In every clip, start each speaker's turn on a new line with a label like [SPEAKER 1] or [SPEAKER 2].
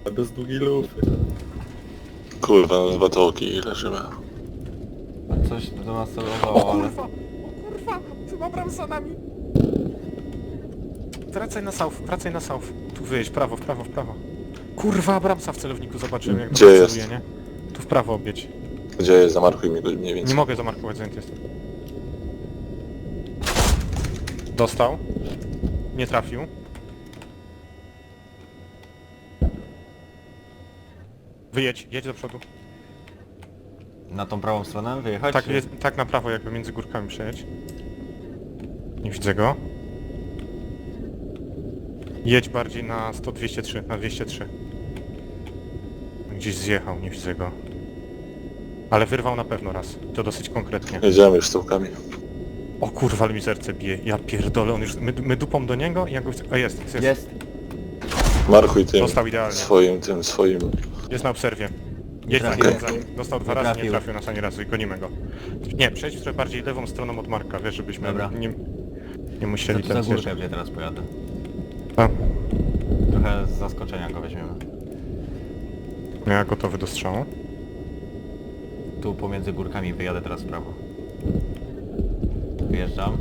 [SPEAKER 1] Bez długiej lufy.
[SPEAKER 2] Kurwa, na dwa tołki leżymy.
[SPEAKER 3] Coś do nas celowało, ale...
[SPEAKER 4] O kurwa! Chyba bram za nami! Wracaj na south, wracaj na south. Tu wyjedź, prawo, w prawo, w prawo. Kurwa, Bramsa w celowniku zobaczyłem, jak
[SPEAKER 2] Gdzie
[SPEAKER 4] do nas
[SPEAKER 2] jest?
[SPEAKER 4] celuje, nie? Tu w prawo obieć.
[SPEAKER 2] Gdzie jest? Zamarkuj mi go mniej
[SPEAKER 4] Nie
[SPEAKER 2] więcej.
[SPEAKER 4] mogę zamarkować, zajęty jestem. Dostał. Nie trafił. Wyjedź, jedź do przodu.
[SPEAKER 3] Na tą prawą stronę wyjechać?
[SPEAKER 4] Tak,
[SPEAKER 3] czy-
[SPEAKER 4] jest, tak na prawo, jakby między górkami przejedź. Nie widzę go. Jedź bardziej na 203, na 203. Gdzieś zjechał, nie widzę go. Ale wyrwał na pewno raz. To dosyć konkretnie.
[SPEAKER 2] Jedziemy już z tołkami.
[SPEAKER 4] O kurwa, ale mi serce bije. Ja pierdolę, on już... My dupą do niego i ja go chcę... A jest, jest.
[SPEAKER 3] Jest!
[SPEAKER 2] Markuj tym
[SPEAKER 4] Dostał idealnie.
[SPEAKER 2] swoim.
[SPEAKER 4] Jest na obserwie. Jedź za
[SPEAKER 3] Trafił.
[SPEAKER 4] nim, za nim. Dostał dwa
[SPEAKER 3] Nie
[SPEAKER 4] razy, nie
[SPEAKER 3] trafił.
[SPEAKER 4] trafił nas ani razu i gonimy go. Nie, przejdź trochę bardziej lewą stroną od Marka, wiesz, żebyśmy
[SPEAKER 3] Dobra.
[SPEAKER 4] nie musieli
[SPEAKER 3] Za
[SPEAKER 4] ten
[SPEAKER 3] górkę
[SPEAKER 4] zjeżdżać.
[SPEAKER 3] gdzie teraz pojadę.
[SPEAKER 4] A,
[SPEAKER 3] Trochę z zaskoczenia go weźmiemy.
[SPEAKER 4] ja gotowy do strzału.
[SPEAKER 3] Tu pomiędzy górkami wyjadę teraz w prawo. Wyjeżdżam.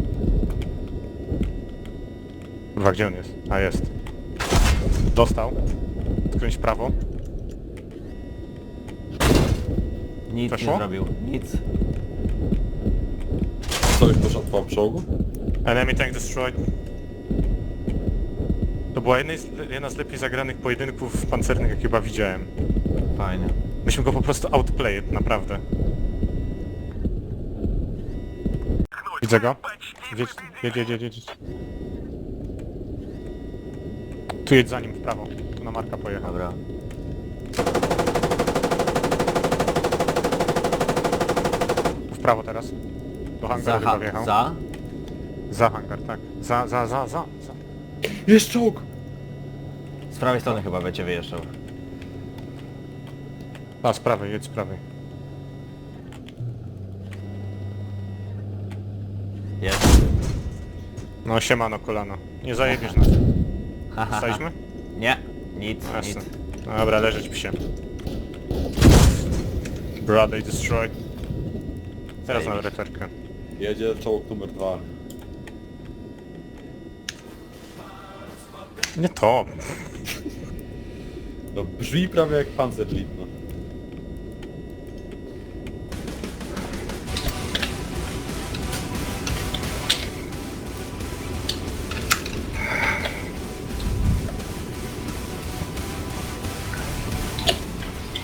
[SPEAKER 4] Kurwa, gdzie on jest? A, jest. Dostał. Skręć w prawo.
[SPEAKER 3] Nic
[SPEAKER 4] Weszło?
[SPEAKER 3] nie zrobił. Nic.
[SPEAKER 1] Co, już poszedł po czołgu?
[SPEAKER 4] Enemy tank destroyed. To była jedna z lepiej zagranych pojedynków pancernych, jakie chyba widziałem.
[SPEAKER 3] Fajnie.
[SPEAKER 4] Myśmy go po prostu outplayed, naprawdę. Widzę go. Jedź. Tu jedź za nim w prawo. Tu na Marka pojechał.
[SPEAKER 3] Dobra.
[SPEAKER 4] Tu w prawo teraz. Do hangaru chyba wjechał. Za hangar, tak. Za.
[SPEAKER 1] Jest czołg!
[SPEAKER 3] Z prawej strony chyba będzie wyjeżdżał.
[SPEAKER 4] A, z prawej, jedź z prawej.
[SPEAKER 3] Jest.
[SPEAKER 4] No siemano kolano. Nie zajebiesz nas. Staliśmy?
[SPEAKER 3] Nie. Nic,
[SPEAKER 4] Jasne.
[SPEAKER 3] nic.
[SPEAKER 4] Dobra, leżeć psie. Brother destroyed. Teraz na referkę.
[SPEAKER 1] Jedzie czołg numer 2.
[SPEAKER 4] Nie to.
[SPEAKER 1] No brzmi prawie jak Panzerlied, no.